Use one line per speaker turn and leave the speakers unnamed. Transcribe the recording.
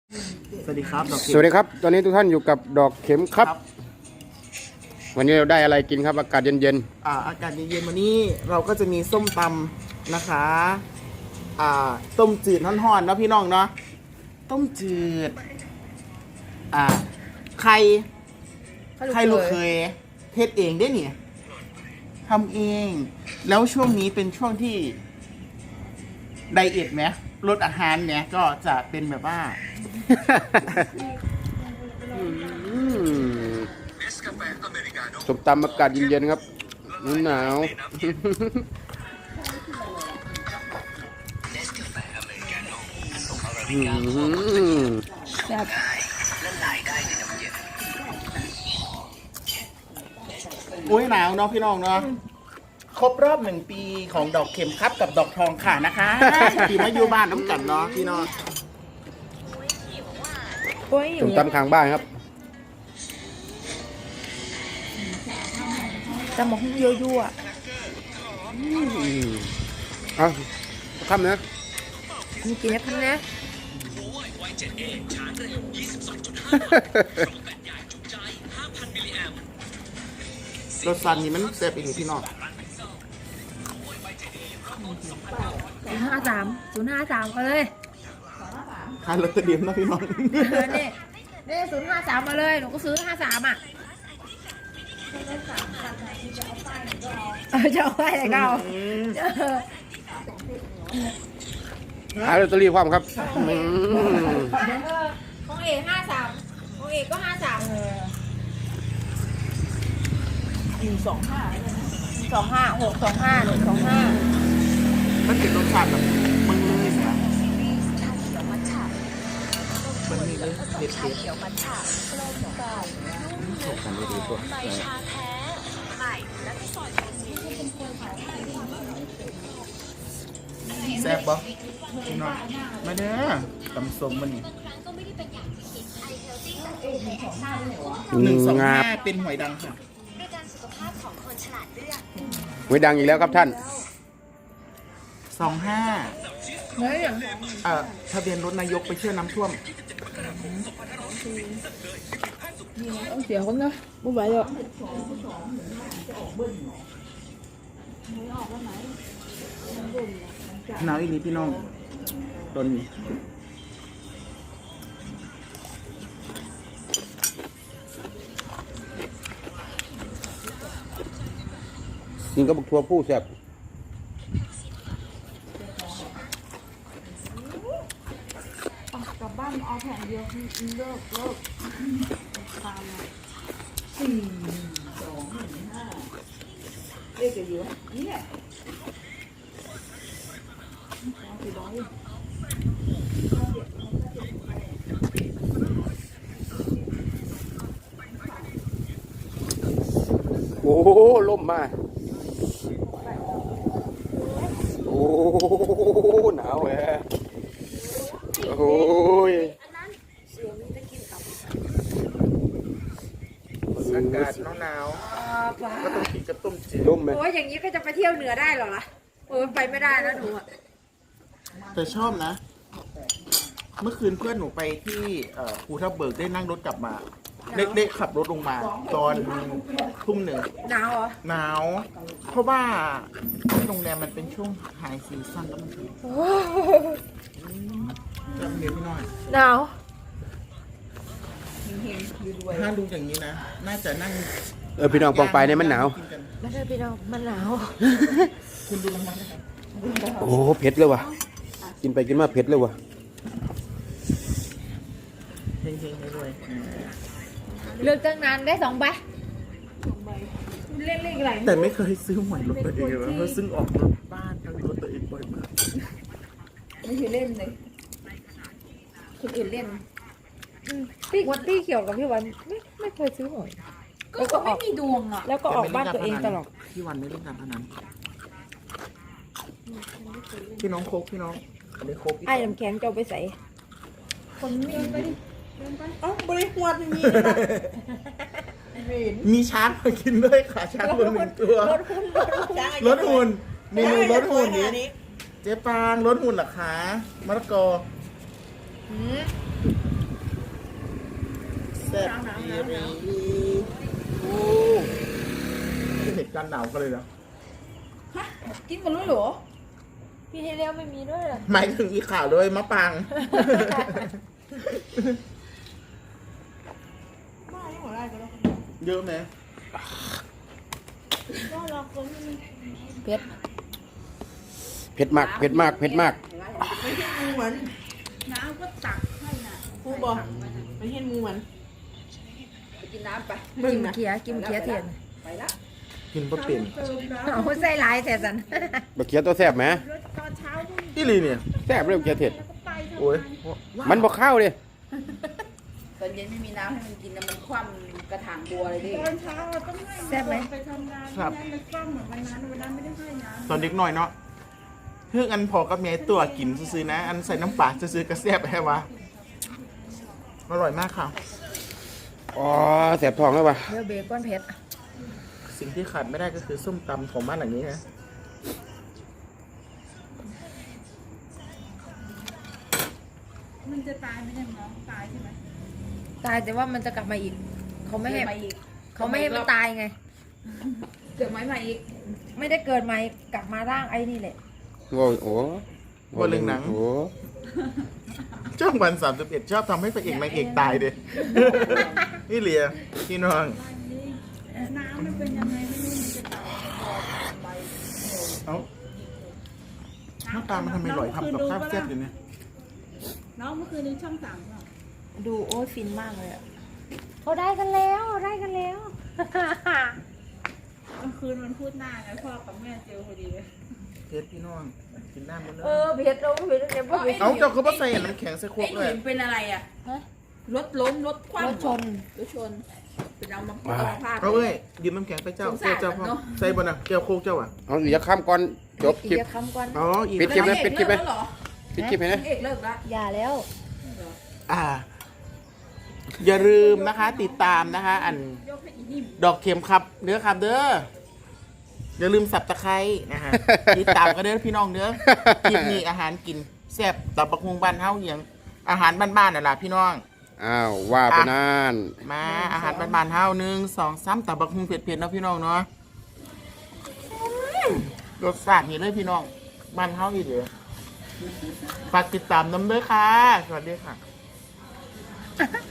สวัสดีครับดอกเข็ม
สวัสดีครับ ตอนนี้ทุกท่านอยู่กับดอกเข็มครับ วันนี้เราได้อะไรกินครับ อากาศเย็น
อากาศเย็นๆวันนี้เราก็จะมีส้มตำนะคะต้มจืดห่อนๆเนาะพี่น้องเนาะต้มจืดไข่ลูกเคยเทศเองได้เนี่ยทำเอง แล้วช่วงนี้เป็นช่วงที่ไดเอทไหมลดอาหารเนี่ยก็จะเป็นแบบว่า
ๆส้มตำอากาศเย็นๆครับหนาว
แบบ
อุ้ยหนาวเนาะพี่น้องเนาะครบรอบ1 ปีของดอกเข็มครับกับดอกทองค่ะนะคะปีมาอยู่บ้านน้ำกันเนาะพี่น้อง
โอ้ยอ
ส้
ยู่
ม
เนี่ย
ตำข้างบ้านครับ
จะมองยั่ว
เอาทำนะ
ๆมีกินแล้วพันนะ
รสซันนี่มันแซ่บอีกพี่น้อง
053ก็เลย
ขายลอตเตอรี่นะพี่น้อง
นี่053มาเลยหนูก็ซื้อ53อ่ะจะเอาไปไหนก็เอา
หาลอตเตอรี่ความครับ
ของเอก53ของเอกก็53
มันเป็นรสชาติแบบมันเลยนะมันมีเลยเด็ดแซ่บปะพี่น้องมาเด้อตำส้มมันนี่125เป็นหวยดังค่ะ
ไว้ดังอีกแล้วครับท่าน
25
เฮ้ยอย่าง
ทะเบียนรถนายกไปเชื่อน้ำท่วม
เสียคนนะไม่ไหวหรอก
หนาวอีกนิดพี่น้องตอนนี้
กินกับบักทั่วผู้แซ่บ
กลับบ้านเอาแผ่นเดียวเลิกตามมา4-2-1-5เลขจะเยอะเนี่ย
โอ้โหล่มมาโอ้โหหนาวแหละโอ้ย
อากาศหนาวๆก็ต้องกินกับต้มจืด
ล่มไหม
โอ้ยอย่างนี้ก็จะไปเที่ยวเหนือได้เหรอล่ะโอ้ยไปไม่ได้นะหนูอ่ะ
แต่ชอบนะ เมื่อคืนเพื่อนหนูไปที่ภูทับเบิกได้นั่งรถกลับมาได้ขับรถลงมา ตอนทุ่มหนึ่ง
หนาวเหรอ
หนาว เพราะว่าที่โรงแรมมันเป็นช่วงไฮซีซั่นแล้วมันจำเนียพี่น้อย
หนาว
ถ้าดูอย่างนี้นะ น่าจะนั่ง
พี่น้องปองไปเนี่ยมันหนาว
กิกัน
ไม่ใช่พี่น้องมันหนาว
คุณดูรางวัลนะครับ
โอ้เผ็ดเลยว่ะ กินไปกินมาเผ็ดเลยว่ะ
เฮงๆรวย
เลือกตั้งนานได้2 ใบเล่นอะไร
ๆแต่ไม่เคยซื้อหวยรถตัวเองเลยเพราะซึ่งออกรถบ้านทั้งรถตัวเองบ่อยมาก
ไม่เคยเล่นเลยคนอื่นเล่น
พี่เขียวกับพี่วันไม่เคยซื้อหวย
ก็เขาไม่มีดวงอ่ะ
แล้วก็ออกบ้านตัวเองตลอด
พี่วันไม่เล่นการพนันพี่น้องโคกพี่น้องอันนี้โคกพี่
ไอ้น้ำแข็งจะเอาไปใส่
คนมีไปดิเอ้าบริหารอย่างนี้
มีช้างมากินด้วยค่ะช้างตัวหนึ่งตัว รถหุ่นเมนูรถหุ่นนี้เจ๊ปางรถหุ่นเหรอคะมะละกอแซ่บดีรีโอ้เป็นเหตุการณ์หนาวกันเลยนะ
ฮะกินกันรู้เหรอ
พี่ให้เลี้ยวไม่มีด้วยเหรอ
หมายถึงอีข่าวด้วยมะปัง
บ้ายังหัวได้กันแล้ว
เยอะไหม
ก็เราคนมัน
เผ็ด
เผ็ดมากเผ็ดมากเผ็ดมาก
ไม่ใช่งูเหมือน
น้ำก็ตักให้น่ะ
ครูบอกไม่ใช่งูเหมือน
ไปกินน้ำไป
กิมเขียเทียน
ไปละ
กินปลาเป็น
เติมแล้ว
เอาใส่หลายแต่สัน
บะเขียตัวแซ่บไหม
ตอนเช้าก็
ที่ลีเนี่ย
แซ่บเลยบะเขียเผ็ด
แล้วก็ไปทำ
โอ้ย
งาน
มันบ่เข้าเลย
ตอนเย็นไม่มีน้ำให้มันกินนะมันคว่ำกระถางบัวเลยดิ
ตอนเช้าเราต้องให้ไปทำงานไม่งั้นมันกล้องเหมือนวันนั้นไม่ได้ให้น้ำ
ตอนเด็กหน่อยเนาะเพื่ออันพอกับเมียตัวกินซื้อๆนะ อันใส่น้ำปลาซื้อๆกระแซบแค่วะอร่อยมากค่ะ
อ๋อแสบท้องแล้วป่ะ
เดี๋ยวเบคอนเผ็ด
สิ่งที่ขาดไม่ได้ก็คือส้มตำของบ้านหลังนี้นะ
มันจะตายไหมเนี่ยน้องตายใช่ไหม
ตายแต่ว่ามันจะกลับมาอีก เขาไม่ให้
มาอีก
เขาไม่ให้มันตายไง
เกิดไม้มาอีก
ไม่ได้เกิดใหม่กลับมาร่างไอ้นี่แหละ
โอ้โห
ว่าเรื่องหนัง
โอ้
ช่องวัน31ชอบทำให้พระเอกนางเอกตายเด้ นี่เหลียพี่น้อง
น้ำมันเป็นยังไงไม่รู้มันจะตาย
เอ้าหน้าตามันทำไมหล่อยทำกับข้าวแซ่บอยู่เนี่ย
น้องเมื่อคืนนี้ช่องสามค่ะ
ดูโอ้ยฟินมากเลยอะเขาได้กันแล้วได้กันแล้ว
เมื่อคืนมันพูดหน้าไงพ่อกับแม่เจอพอดีเลย
เพชรพี่น้องกินน้ำหมดเลย
เผ็ดเราเผ็ดเดี๋ยวพวก
เอ้าเจ้าเขาบอกใส่น้ำแข็งใส่โคก
ไอ้
เลย
หินเป็นอะไรอ่ะ
ฮะ
รถล้มรถคว่ำ
รถชน
รถชนเป็นเอามาพาด
เอาเอ้ยดื่มน้ำแข็งไปเจ้า
สงสาร
เจ้าพ่อ
เนอะ
ใส่บนอ่ะแก้วโคกเจ้าอ่ะ
เอาเดี๋ยวข้ามก่อนจบคลิป
อีกคำก่อน
อ๋ออีก
ปิดคลิป
แล้
นะ
ว
ปิดคลิปไหม
เอกเลิกแล้วเหรอ
ปิดคลิปไหมนะ
เอกเลิกแล้ว
อย่าแล้ว
อ่า อย่าลืมนะคะ ติดตามนะคะ อัน
ยกให้อีนิ่ม
ดอกเข็มครับเด้อครับเด้ออย่าลืมสับตะไคร้นะฮะ ติดตามกันเด้อพี่น้องเด้อคลิปนี้อาหารกินแซ่บตับบักฮุงบ้านเฮาเหียงอาหารบ้านๆน่ะล่ะพี่น้อง
อ้าวว่าไปนาน
มาอาหารบ้านๆเฮา1 2 3ตับบักฮุงเผ็ดๆเนาะพี่น้องเนาะรสชาตินี่เลยพี่น้องบ้านเฮาอีเด้อฝากติดตามน้ำเด้อค่ะสวัสดีค่ะ